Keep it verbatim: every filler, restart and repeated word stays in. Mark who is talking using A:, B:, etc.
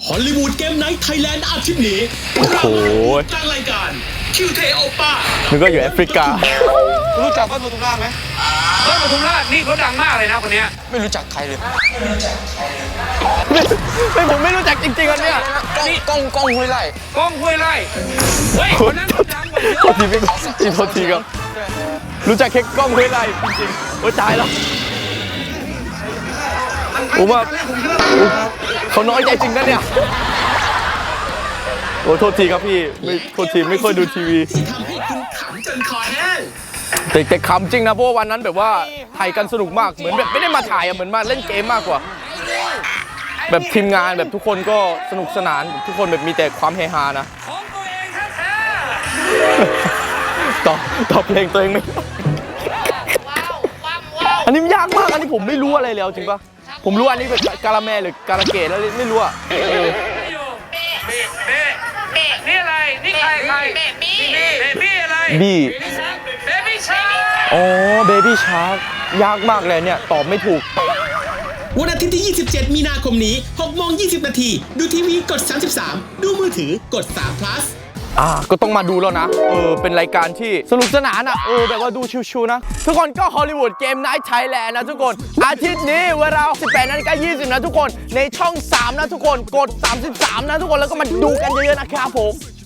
A: ฮอลลีวูดเกมไนท์ไทยแลนด์อาทิตย์นี้เราตั้งรายการคิวเทโอป้า
B: นึกว่าอยู่แอฟริกา
C: รู้จักบ้านปทุมราชไหม
D: บ้านปทุมราชนี่เขาดังมากเลยนะคนนี้
C: ไม่รู้จักใครเลยไม่รู้จักใครเลย
B: ไม่ผมไม่รู้จักจริงๆอันเนี้ย
C: นี่กล้องกล้องห้วยไร่
D: กล้องห้วยไร่เฮ้ยคนนั้นดังกว่าเยอะ
B: โทษทีพี่จริงโทษทีครับรู้จักแค่กล้องห้วยไร่จริงๆโอ้ยตายแล้วผมว่าเขาน้อยใจจริงนะเนี่ยโอ้โทษทีครับพี่ไม่โทษทีไม่ค่อยดูทีวี
A: ทำให้คุณขำจนคอแห้ง
B: แต่แต่ขำจริงนะเพราะวันนั้นแบบว่าถ่ายกันสนุกมากเหมือนแบบไม่ได้มาถ่ายอะเหมือนมาเล่นเกมมากกว่าแบบทีมงานแบบทุกคนก็สนุกสนานทุกคนแบบมีแต่ความเฮฮานะ
D: ของตัวเองแท้
B: ต่อต่อเพลงตัวเองไม่อันนี้มันยากมากอันนี้ผมไม่รู้อะไรเลยจริงปะผมรู้อันนี้เป็นกาลาแมหรือการาเกะแล้วไม่รู้อะเออ
D: นี่อะไรนี่ใครใครเบบี้เบบี้อะไร
B: บี้
D: เบบี้ชาร์ก
B: อ๋อเบบี้ชาร์กยากมากเลยเนี่ยตอบไม่ถูก
A: วันอาทิตย์ที่ยี่สิบเจ็ดมีนาคมนี้หกโมงยี่สิบนาทีดูทีวีกดสามสิบสามดูมือถือกดสาม plus
B: อ่าก็ต้องมาดูแล้วนะเออเป็นรายการที่สนุกสนานอ่ะเออแบบว่าดูชิวๆนะทุกคนก็ฮอลลีวูดเกมไนท์ไทยแลนด์นะทุกคนอาทิตย์นี้เวลาสิบแปดนาฬิกายี่สิบนะทุกคนในช่องสามนะทุกคนกดสามสิบสามนะทุกคนแล้วก็มาดูกันเยอะๆนะครับผม